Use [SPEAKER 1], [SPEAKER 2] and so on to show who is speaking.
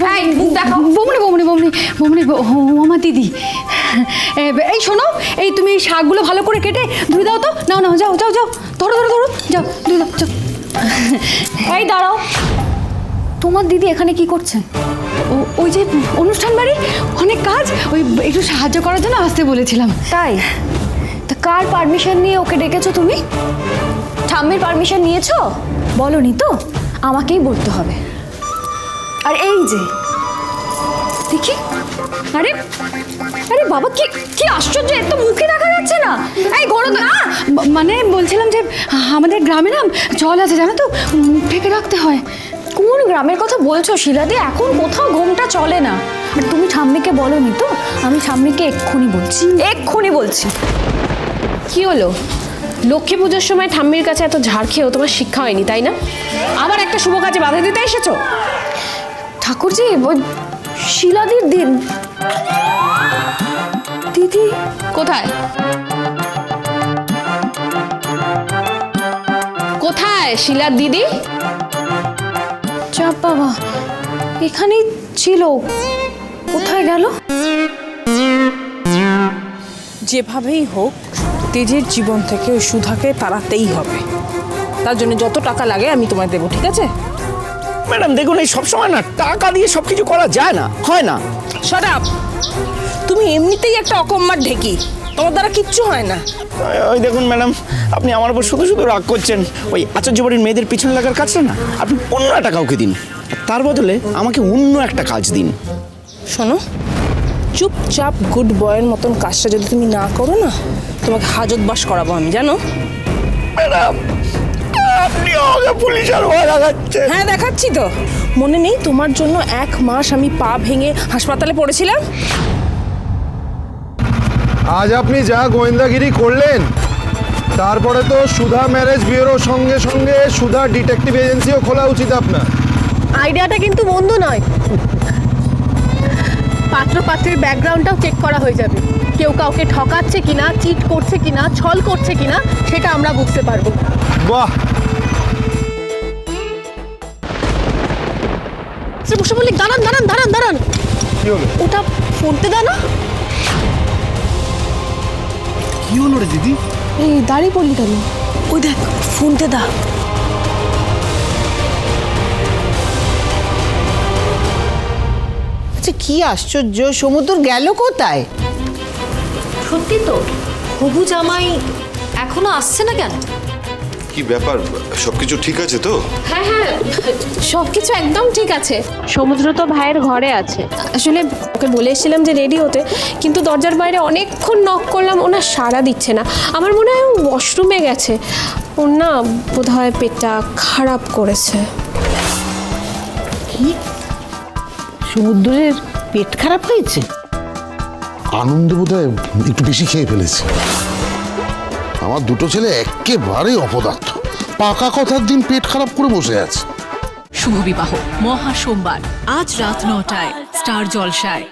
[SPEAKER 1] বমনি বমনি বমনি বমনি আমার দিদি। এই শোনো, এই তুমি এই শাকগুলো ভালো করে কেটে ধুয়ে দাও তো। নাও নাও, যাও যাও যাও, ধরো ধরো ধরো, যাও ধুয়ে দাও, যাও। এই দাঁড়াও, তোমার দিদি এখানে কি করছে? ওই যে অনুষ্ঠান বাড়ি, অনেক কাজ, ওই একটু সাহায্য করার জন্য আসতে বলেছিলাম। তাই? তা কার পারমিশন নিয়ে ওকে ডেকেছো তুমি? ঠাম্মির পারমিশন নিয়েছো? বলনি তো, আমাকেই বলতে হবে। আর এই যে দেখি, আরে আরে বাবা, কি কি আশ্চর্য, এত মুখে দেখা যাচ্ছে না। এই ঘোড়ো না, মানে বলছিলাম যে আমাদের গ্রামে না জল আছে জানো তো, মুখ ঢেকে রাখতে হয়। কোন গ্রামের কথা বলছো শিলাদি? এখন কোথাও ঘুমটা চলে না। আর তুমি ঠাম্মিকে বলনি তো? আমি ঠাম্মিকে এক্ষুনি বলছি, এক্ষুনি বলছি।
[SPEAKER 2] কি হলো? লক্ষ্মী পুজোর সময় ঠাম্মির কাছে এত ঝাড় খেয়েও তোমার শিক্ষা হয়নি, তাই না? আবার একটা শুভ কাজে বাধা দিতে এসেছো?
[SPEAKER 1] ঠাকুরজি, ওই শিলাদির দিদি
[SPEAKER 2] কোথায়? কোথায় শিলার দিদি?
[SPEAKER 1] চাপ বাবা, এখানেই ছিল, কোথায় গেল?
[SPEAKER 3] যেভাবেই হোক তেজের জীবন থেকে ওই সুধাকে তাড়াতেই হবে। তার জন্য যত টাকা লাগে আমি তোমায় দেবো, ঠিক আছে?
[SPEAKER 4] ম্যাডাম দেখুন, এই সবসময় না টাকা দিয়ে সব কিছু করা যায় না, হয় না।
[SPEAKER 3] Shut up! তুমি এমনিতেই একটা অকম্মার ঢেকি, তোমার দ্বারা কিচ্ছু হয় না।
[SPEAKER 4] ওই দেখুন ম্যাডাম, আপনি আমার উপর শুধু শুধু রাগ করছেন। ওই আচার্য বাড়ির মেয়েদের পিছনে লাগার কাজটা না আপনি অন্য একটা কাউকে দিন, তার বদলে আমাকে অন্য একটা কাজ দিন।
[SPEAKER 3] শোনো, চুপচাপ গুড বয়ের মতন কাজটা যদি তুমি না করো না, তোমাকে হাজতবাস করাবো আমি, জানো?
[SPEAKER 4] ম্যাডাম, আপনি আমাকে পুলিশের ভয় লাগাচ্ছেন।
[SPEAKER 3] হ্যাঁ, দেখাচ্ছি তো। মনে নেই তোমার জন্য 1 মাস আমি পা ভেঙে হাসপাতালে পড়েছিলাম?
[SPEAKER 5] আজ আপনি যা গোয়েন্দাগিরি করলেন, তারপরে তো সুধা ম্যারেজ ব্যুরোর সঙ্গে সঙ্গে সুধা ডিটেকটিভ এজেন্সিও খোলা উচিত আপনার।
[SPEAKER 6] আইডিয়াটা কিন্তু মন্দ নয়। পাত্র পাত্রের ব্যাকগ্রাউন্ডটাও চেক করা হয়ে যাবে। কেউ কাউকে ঠকাচ্ছে কিনা, চিট করছে কিনা, ছল করছে কিনা, সেটা আমরা বুঝতে পারবো।
[SPEAKER 5] বাহ!
[SPEAKER 6] বসে বলি, দাঁড়ান দাঁড়ান দাঁড়ান দাঁড়ান,
[SPEAKER 5] কি হলো?
[SPEAKER 6] ওটা ফোনতে দাও না।
[SPEAKER 5] কি হলো রে দিদি?
[SPEAKER 6] এই দাঁড়িয়ে পড়লি কেন? ওই দেখ, ফোনতে দা।
[SPEAKER 7] আচ্ছা, কি আশ্চর্য, সমুদ্র গেল কোথায়?
[SPEAKER 8] সত্যি তো, হবু জামাই এখনো আসছে না কেন?
[SPEAKER 9] কি ব্যাপার, সবকিছু ঠিক আছে তো?
[SPEAKER 2] হ্যাঁ হ্যাঁ, সবকিছু একদম ঠিক আছে। সমুদ্র তো ভাইয়ের ঘরে আছে। আসলে ওকে বলে এসেছিলাম যে রেডি হতে, কিন্তু দরজার বাইরে অনেকক্ষণ নক করলাম, ওনার সাড়া দিচ্ছে না। আমার মনে হয় ও ওয়াশরুমে গেছে। ওর না বোধহয় পেটটা খারাপ করেছে।
[SPEAKER 7] কি, সমুদ্রের পেট খারাপ হয়েছে?
[SPEAKER 10] আনন্দে বোধহয় একটু বেশি খেয়ে ফেলেছে। আমার দুটো ছেলে একেবারেই অপদার্থ, পাকা কথার দিন পেট খারাপ করে বসে আছে।
[SPEAKER 11] শুভ বিবাহ মহা সোমবার আজ রাত 9টায় স্টার জলসায়।